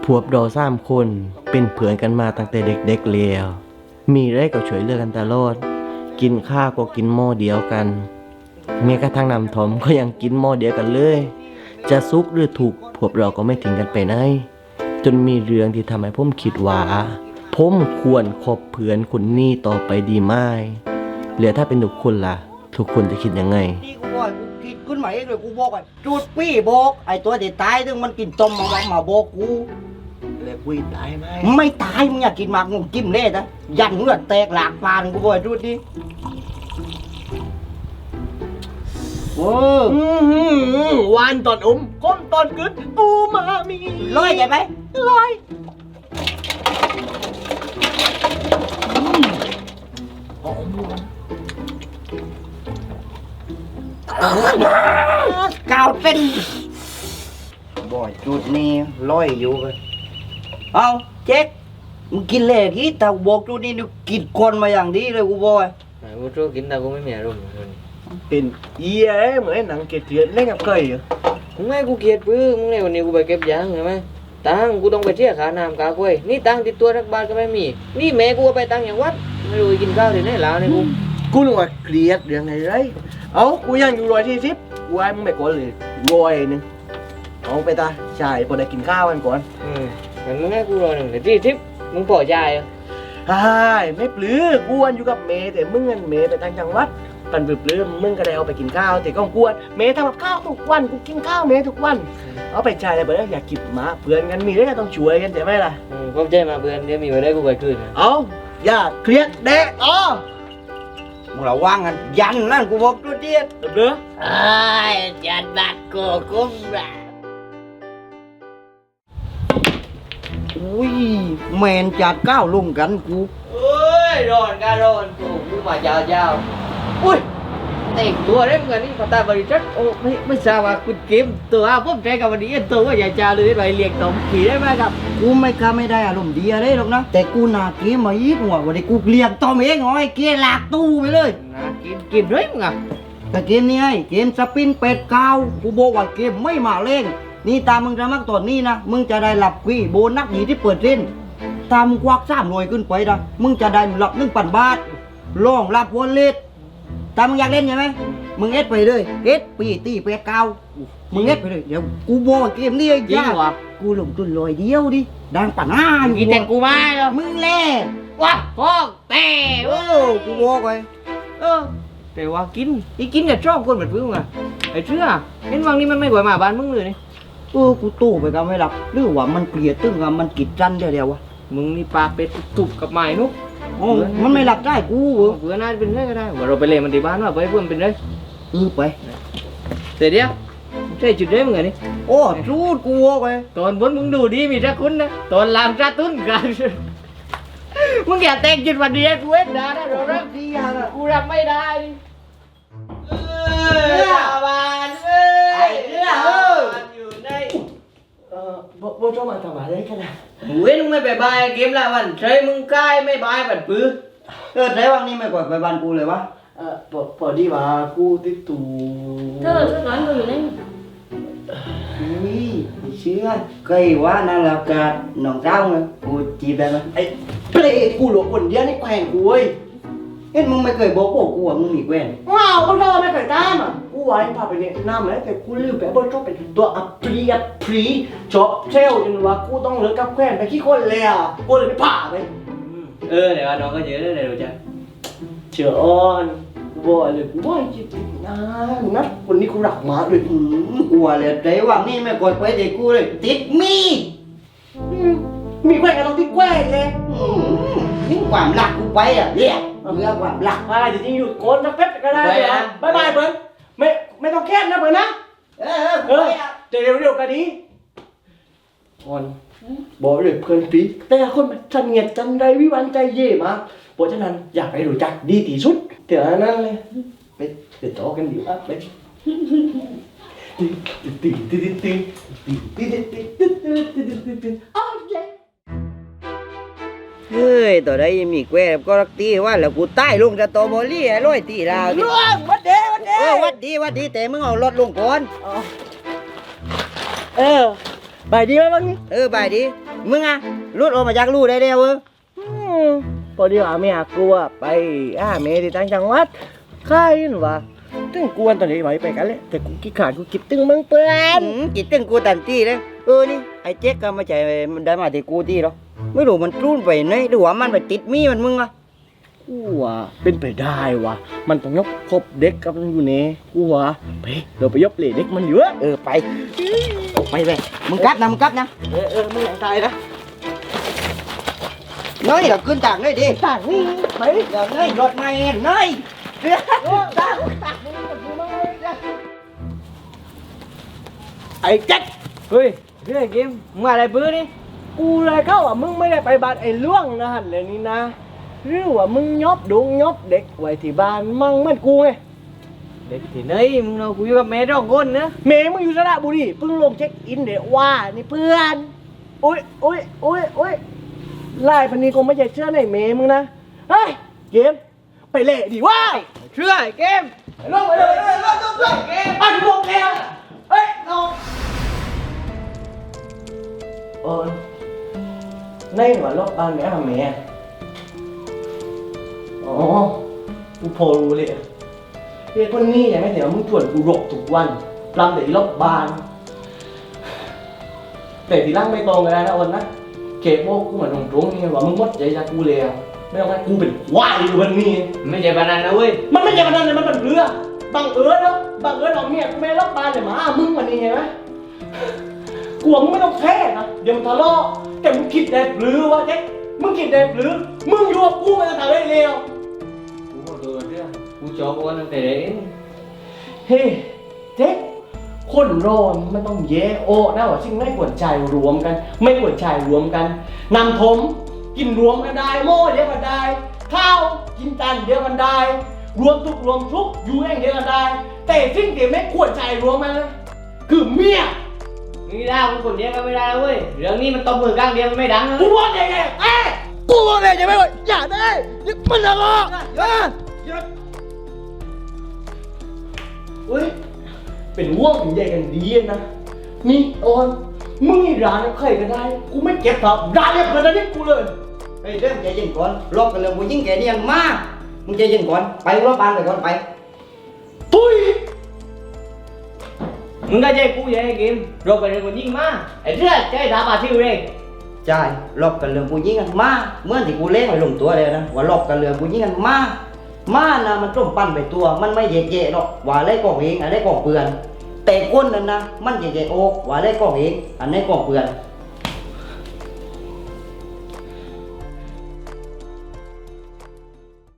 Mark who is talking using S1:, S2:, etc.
S1: วบเรา3 คนเป็นเพื่อนกันมาตั้งแต่เด็กๆแล้วมีอะไรก็ช่วยเหลือกันตลอดกินข้าวก็กินหม้อเดียวกันแม้กระทั่งน้ำท่อมก็ยังกินหม้อเดียวกันเลยจะสุขหรือทุกข์พวกเราก็ไม่ทิ้งกันไปไหนจนมีเรื่องที่ทำให้ผมคิดว่าผมควรคบเพื่อนคนนี้ต่อไปดีไหมเหลือถ้าเป็นทุกคนล่ะทุกคนจะคิดยังไง
S2: นี่กูบอกกูคิดขึ้นมาเองเลยกูบอกว่าจุดปี้โบกไอตัวเด็ดตายซึ่งมันกินต้มมาโบกกูเลยกูตายไหมไม่ตายมึงอยากกินหมากงงจิ้มเล่นะยันมึงอะแตกหลากฟานกูบอกจุดนี้
S1: วานตอนก้มตอนกึดปูมามี
S2: ลอยใช่ไหม
S1: ลอย
S2: กาวเส้นบ่อยจุดนี้ลอยอยู่เลยเอาเจ๊กมึงกินเล่กี่แต่บอกจุดนี้กินคนมาอย่างดีเลยกูบอก
S3: กูรู้กินแต่กูไม่มีอารมณ์
S1: เป็นเอี้ยเหมือนหนังเกลียดเล่นกับไก่เหรอ
S3: มึงไม่กูเกลียดปื้มึงเลยวันนี้กูไปเก็บยางใช่ไหมตังกูต้องไปเที่ยวขาน้ำกากล้วยนี่ตังติดตัวทักบาทก็ไม่มีนี่แม่กูไปตังอย่างวัดไม่รู้กินข้าวที่ไหนแล้วเนี่ย
S1: กูนึกว่าเกลียดเรื่องไหนไรเอากูยังอยู่140กูให้มึงไปก่อนเลย100เอาไปตาใช่พอได้กินข้าวกันก่อน
S3: งั้นมึงให้กู140มึงพอใจอ่ะ
S1: ใช่ไม่ปลื้กูวันอยู่กับเมย์แต่มึงเงินเมย์ไปทางจังหวัดปันปลื้มมึงก็ได้เอาไปกินข้าวแต่ก็กวนเมย์ทำกับข้าวทุกวันกูกินข้าวเมย์ทุกวันเอาไปใช้เลยเบอร์อยากกินมาเพื่อนกันมีได้ก็ต้องช่วยกันใช่ไหมล่ะ
S3: เข้าใจมาเพื่อนเดี๋ยวมีไว้ได้กูไปคืน
S1: เอาอย่าเครียดเด็ก
S2: มึงระวังกันยันนั่นกูบอกจุดเดียด
S1: เด้อ
S2: จันบักโกกุ้มแบบอุ้ยแมนจัดก้าวลงกันกู
S3: เอ้ยโดนกูมาเจ้าอุ้ยแต่งตัวได้เหมือนนี่พอตาบริจักโอ้ไม่ทราบว่าคุณเกมตัวผมใจกับวันนี้ตัวว่าใหญ่จ้าเลยไปเรียกตอมขี่ได้ไหมครับ
S2: กูไม่ได้อารมณ์ดีอะไรหรอกนะแต่กูนาเกมมาอีกหัววันนี้กูเรียกตอมเองไอ้เกมหลากตู้ไปเลย
S3: นะกินด้วยมึงอ่ะ
S2: แต่เกมนี้ไอ้เกมสปินเป็ดเก้ากูบอกว่าเกมไม่มาเล่นนี่ตามมึงจะมักตอนนี้นะมึงจะได้หลับกุยโบนัสหนีที่เปิดเล่นตามควัก3 หน่วยขึ้นไปนะมึงจะได้หลับ1,000 บาทลองรับวอลเล็ตตามมึงอยากเล่นใช่ไหมมึงเอสไปเลยเอสปีตีเป็ดเก้ามึงเอสไปเลยเดี๋ยวกูบอกเกมนี้ไอ้
S3: จริงวะ
S2: กูลงทุน100 เดียวดิดังป่าน้า
S3: กินแต่กูไม่หรอ
S2: มึงเล่
S3: ว้าพ่อแต่
S2: กูบอกไป
S3: แต่ว่ากินกับชอบคนแบบมึงอ่ะไอ้เชื่อเห็นวังนี้มันไม่ไหวมาบ้านมึงเลยนี่
S2: กูตู้ไปกันไม่หลับหรือว่ามันเกลียดตึ้งว่ามันกิดจันเดียววะ
S3: มึงนี่ปลาเป็ดตุบกับไม้นุ๊ก
S2: มันไม่หลับได้กู
S3: เพื่อนน่าจะเป็นไรก็ได้ว่าเราไปเล่นมันที่บ้านว่าไปเพื่อนเป็นไร
S2: ไป
S3: เสร็จเดียวใช่จุดเด้มึงไงนี่
S2: โอ้จูดกูไป
S3: ตอนบนมึงดูดีมีรักคุณนะตอนลามรักตุ้นกันมึงอย่าแต่งจุดวันนี้กูเอ็ดด่านะเรารักดีอ่ะกูรับไม่ได้บ้านอยู่ใน
S1: บ่ชอบมาทำอะไรกันนะ
S3: เว้ยมึงไม่ไปบายเกมละวันใช่มึงใกล้ไม่บายแบบปื้อ
S2: ใช่วันนี้ไม่กดไปบ้านกูเลยวะ
S1: พอดีว่ากูติดตู
S4: เธอร้อนมือเลย
S2: นี่เชื่อเคยว่านั่นแหละกาหนองเจ้าไงกูจีบได้ไหม
S1: ไอ้เปรย์กูหลงคนเดียวนี่แขวงกูเว้ย
S2: เอ็ดมึงไม่เคยบอกกูว่ามึงมีแกวน
S1: ว้าวก็รอไม่เคยตามอ่ะกูว่าพาไปเนี่ยน้ำเลยแต่กูลืมไปว่าชอบเป็นตัวอัปรีชอบเชลจนว่ากูต้องเลิกกับแขวนไปขี้คนเลยอ่ะกูเลยไม่ผ่าไป
S3: เดี๋ยวน้องก็เยอะเลยเดี๋ยวจะ
S1: เชื่ออ่อนบ่เลยกูว่าจริงนะวันนี้กูรักมาเลย
S2: กูว่าเลยใจว่านี่ไม่กดไปเด็กกูเลยติด
S1: มีแขวนก็ต้องติดแขวนเลย
S2: นี่ความรักกูไปอ่ะเรียกเรื่องความรัก
S1: อะไรจริงอยู่โกนสักเพชรก็ได้เลยบายบายเบิร์นไม่ต้องแค้นนะเบิร์นนะเดี๋ยวกันดีอ่อนบอกเลยเพื่อนปีแต่คนมันจันเงียบจันไรวิวันใจเย่มาเพราะฉะนั้นอยากให้รู้จักดีที่สุดเดี๋ยวนั้นเลยไปต่อกันดีอ่ะไป
S2: เฮ้ยต่อได้มีแกวก็รักตีว่าแล้วกูใต้ลงจะโตโมลี่ไอ้ร้อยตีลาว
S1: วัด
S2: ดีแต่มึงเอารถลงก่อน
S1: บ่ายดีไหมบ้างนี่
S2: บ่ายดีมึงอะรุดออกมาจากรูได้เดียว
S1: พอดีว่าเมียกูอะไปเมย์ที่ต่างจังหวัดค่ายนี่หว่าตึงกวนตอนนี้ไหวไปกันเลยแต่กูคิดขาดกูคิดตึงมึงเปื่อน
S2: จิตตึงกูตันตี้เลยนี่ไอ้เจ๊กก็ไม่ใช่มันได้มาที่กูตี้หรอกไม่รู้มันรุ่นไปไหนหรือว่ามันไปติดมีมันมึงอะ
S1: กูว่าเป็นไปได้ว่ะมันต้องยกครบเด็กกับมันอยู่เนี่ยกูว่าไปเราไปยกเหล่เด็กมันเยอะ
S2: ไปเลยมึงกลับนะมึงกลับนะ
S1: มึงหลังตายนะ
S2: น้อยเราขึ้นต่างเลยดิ
S1: ต่างนี่ไป
S2: เดี๋ยวน้อยรถไม่น้อยเดี๋ยวต่าง
S1: ไอ้แจ็ค
S3: เฮ้ยเรื่องเกมมึงมาอะไรปื้อนี่
S1: กูเลยเข้าว่ามึงไม่ได้ไปบ้านไอ้ล่วงนะฮันเลยนี่นะหรือว่ามึงยอบดงยอบเด็กไว้ที่บ้านมั่งเหมือนกูไง
S3: เด็กที่ไหนมึงเราคุยกับแม่ร้องคนนะ
S1: เมย์มึงอยู่สระบุรีเพิ่งลงเช็คอินเดี๋ยวว่านี่เพื่อนโอ้ยไล่พันนี้คงไม่ใช่เชื่อในเมย์มึงนะเฮ้ยเกมไปเละดิว่า
S3: เชื่อไอ้เกม
S1: ลงไปเลยเกมอันลงแล้วเฮ้ยลงในหัวรอบบ้านแม่ทำแม่อ๋อกูพอรู้เลยเฮ้ยคนนี้ยังไม่เห็นว่ามึงชวนกูรบทุกวันปลำแต่รอบบานแต่ทีหล่างไม่ตรงกันได้นะวันนะเก็บโว้กูเหมือนตรงๆนี่ว่ามึงหมดใจจากกูแล้วไม่ต้องให้กูเป็นควายอยู่วันนี้
S3: ไม่ใช่ปานนั้นนะเว้ย
S1: มันไม่ใช่ประเด็นเลยมันเป็นเรือบังเอิญแล้วบังเอิญเอาเมียกูไม่รอบบานเลยหมามึงวันนี้เห็นไหมกลัวมึงไม่ต้องแพ้นะเดี๋ยวมึงทะเลาะแต่มึงคิดได้หรือวะเจ๊มึงคิดได้หรือมึงอยู่กับกูมาตั้งแต่เร็ว
S3: กูขอโทษเรื่องกูจอบวันตั้งแต่เด็ก
S1: เฮ้เจ๊คนรอนมันต้องแย่โอ้นะว่าสิ่งไม่ควรใจรวมกัน ไม่ควรใจรวมกันนำถมกินรวมกันได้โม่เดียวกันได้ข้าวกินจานเดียวกันได้รวมทุกอยู่แห่งเดียวกันได้ แต่สิ่งที่ไม่ควรใจรวมมันนะคือเมีย
S3: มึงด่ากูคนเดียวก็ไม่ได้แล้วเว้ยเรื่องนี้มันตบมือกลางเดียวมันไม่ดังนะ
S1: กูบอกยังไงกูบอกเลยยังไม่ว่าอย่าได้ยึดมันละก็เฮ้ยเป็นห่วงเป็นใยกันดีนะนี่โอนมึงนี่ร้านใครก็ได้กูไม่เก็บครับร้านเนี่ยเพื่อนนี่กูเลย
S2: เฮ้ยเริ่มใจเย็นก่อนรอบกันเลยกูยิ่งแกเนียนมากมึงใจเย็นก่อนไปรอบบ้านไปก่อนไป
S1: ตุ้ย
S3: มึงก็ใจกูอย่างไอ้เกมรบไปเรื่องคนยิ่งมากไอ้เรื่องใจถามอาทิวเอง
S2: ใช่รอบกันเรื่องกูยิ่งกันมาเมื่อที่กูเล่นไปลงตัวเลยนะว่ารอบกันเรื่องกูยิ่งกันมานะมันต้มปั้นไปตัวมันไม่เย่ๆหรอกว่าอะไรกองเองอะไรกองเปลือนแต่ก้นนั้นนะมันเย่ๆโอกว่าอะไรกองเองอันไหนกองเปลือน